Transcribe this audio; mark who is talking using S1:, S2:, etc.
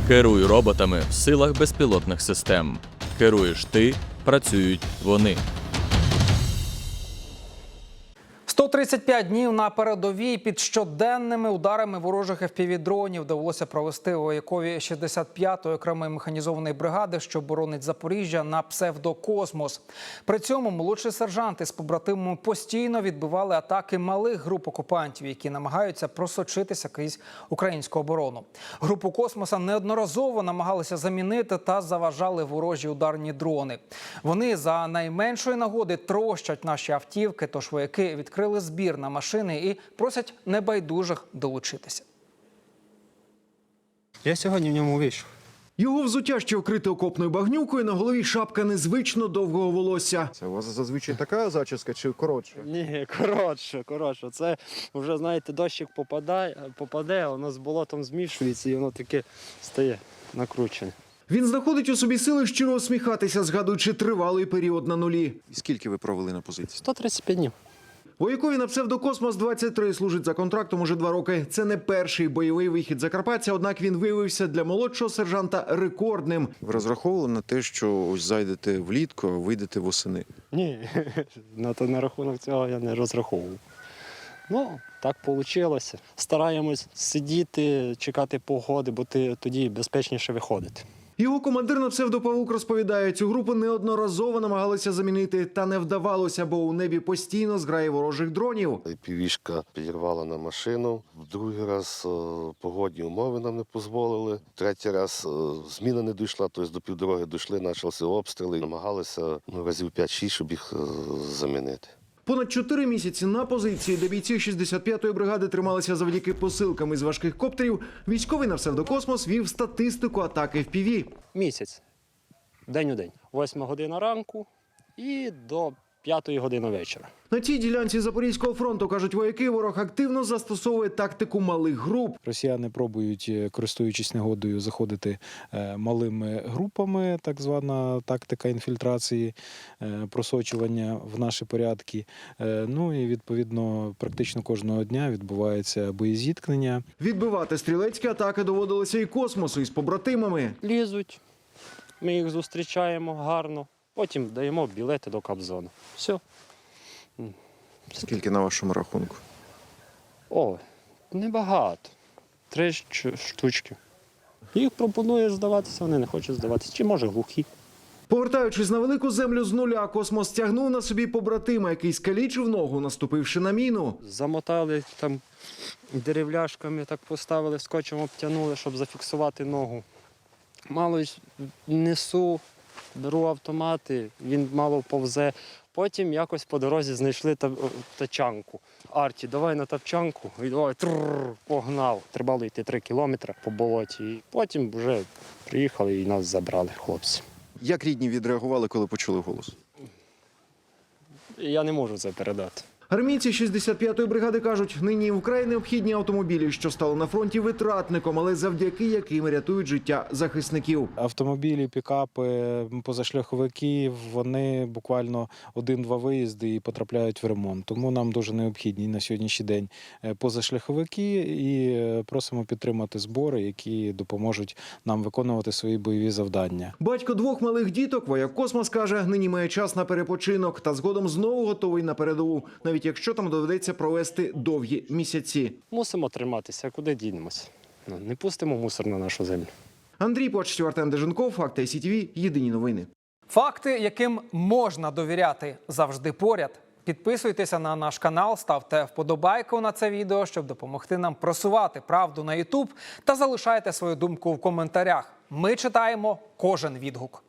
S1: Керуй роботами в силах безпілотних систем. Керуєш ти, працюють вони.
S2: 135 днів на передовій під щоденними ударами ворожих FPV-дронів довелося провести воякові 65-ї окремої механізованої бригади, що боронить Запоріжжя, на псевдокосмос. При цьому молодші сержанти з побратимами постійно відбивали атаки малих груп окупантів, які намагаються просочитися крізь українську оборону. Групу космоса неодноразово намагалися замінити та заважали ворожі ударні дрони. Вони за найменшої нагоди трощать наші автівки, тож вояки відкрили збір на машини і просять небайдужих долучитися.
S3: Я сьогодні в ньому вийшов.
S4: Його взуття ще вкрите окопною багнюкою, на голові шапка незвично довгого волосся.
S5: Це у вас зазвичай така зачіска чи коротша?
S3: Ні, коротше. Це вже, знаєте, дощик попаде, воно з болотом змішується і воно таке стає накручене.
S4: Він знаходить у собі сили щиро усміхатися, згадуючи тривалий період на нулі.
S5: І скільки ви провели на позиції?
S3: 135 днів.
S4: Воякові на псевдокосмос-23 служить за контрактом уже 2 роки. Це не перший бойовий вихід Закарпаття, однак він виявився для молодшого сержанта рекордним.
S5: Ви розраховували на те, що ось зайдете влітку, а вийдете восени?
S3: Ні, на рахунок цього я не розраховував. Ну, так вийшло. Стараємось сидіти, чекати погоди, бо тоді безпечніше виходити.
S4: Його командир на псевдопавук розповідає, цю групу неодноразово намагалися замінити, та не вдавалося, бо у небі постійно зграє ворожих дронів.
S6: Півішка підірвала на машину, в другий раз погодні умови нам не дозволили, третій раз зміна не дійшла, тобто до півдороги дійшли, почалися обстріли, намагалися разів 5-6, щоб їх замінити.
S4: Понад 4 місяці на позиції, де бійці 65-ї бригади трималися завдяки посилкам із важких коптерів, військовий на псевдокосмос вів статистику атаки FPV.
S3: Місяць, день у день. 8 година ранку і до 5 години вечора.
S4: На цій ділянці Запорізького фронту, кажуть вояки, ворог активно застосовує тактику малих груп.
S7: Росіяни пробують, користуючись негодою, заходити малими групами, так звана тактика інфільтрації, просочування в наші порядки. Ну і, відповідно, практично кожного дня відбувається боєзіткнення.
S4: Відбивати стрілецькі атаки доводилося і космосу, із побратимами.
S3: Лізуть, ми їх зустрічаємо гарно, потім даємо білети до Кобзону. Все.
S5: Скільки на вашому рахунку?
S3: О, небагато. 3 штучки. Їх пропонує здаватися, вони не хочуть здаватися. Чи може глухі.
S4: Повертаючись на велику землю з нуля, космос тягнув на собі побратима, який скалічив ногу, наступивши на міну.
S3: Замотали там деревляшками, так поставили, скотчем обтянули, щоб зафіксувати ногу. Мало несу, беру автомати, він мало повзе. Потім якось по дорозі знайшли тачанку. Арті, давай на тачанку, і давай, погнав. Треба було йти 3 кілометри по болоті. І потім вже приїхали і нас забрали хлопці.
S5: Як рідні відреагували, коли почули голос?
S3: Я не можу це передати.
S4: Армійці 65-ї бригади кажуть, нині вкрай необхідні автомобілі, що стали на фронті витратником, але завдяки яким рятують життя захисників.
S7: Автомобілі, пікапи, позашляховики, вони буквально 1-2 виїзди і потрапляють в ремонт. Тому нам дуже необхідні на сьогоднішній день позашляховики і просимо підтримати збори, які допоможуть нам виконувати свої бойові завдання.
S4: Батько 2 малих діток, вояк космос, каже, нині має час на перепочинок та згодом знову готовий на передову, навіть якщо там доведеться провести довгі місяці.
S3: Мусимо триматися, куди дінемося. Не пустимо мусор на нашу землю.
S4: Андрій Почтів, Артем Деженков, Факти СІТВ, єдині новини.
S2: Факти, яким можна довіряти, завжди поряд. Підписуйтеся на наш канал, ставте вподобайку на це відео, щоб допомогти нам просувати правду на YouTube, та залишайте свою думку в коментарях. Ми читаємо кожен відгук.